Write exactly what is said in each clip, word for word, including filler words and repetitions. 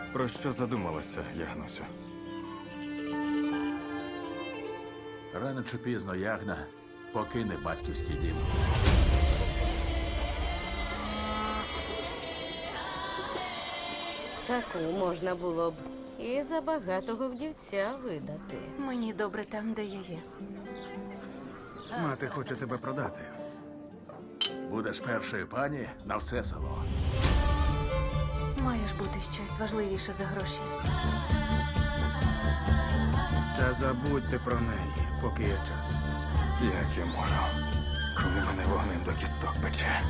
Про що задумалася, Ягнусю? Рано чи пізно Ягна покине батьківський дім. Таку можна було б і за багатого вдівця видати. Мені добре там, де я є. Мати хоче тебе продати. Будеш першою пані на все село. Має ж бути щось важливіше за гроші. Та забудьте про неї, поки є час. Як я можу, коли мене вогнем до кісток пече?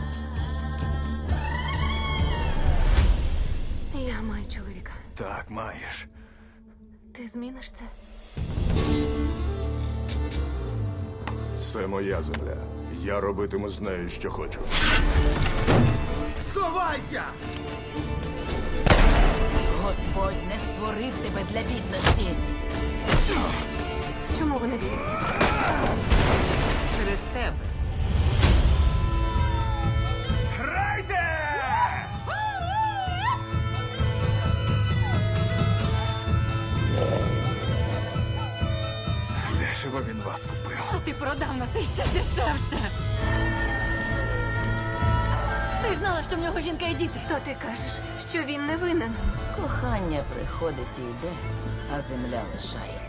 Я маю чоловіка. Так, маєш. Ти зміниш це? Це моя земля. Я робитиму з нею, що хочу. Сховайся! Господь не створив тебе для бідності. Чому вони б'ються? Через тебе. Дешево він вас купив. А ти продав нас іще дешевше. Ти знала, що в нього жінка і діти. То ти кажеш, що він не винен. Кохання приходить і йде, а земля лишається.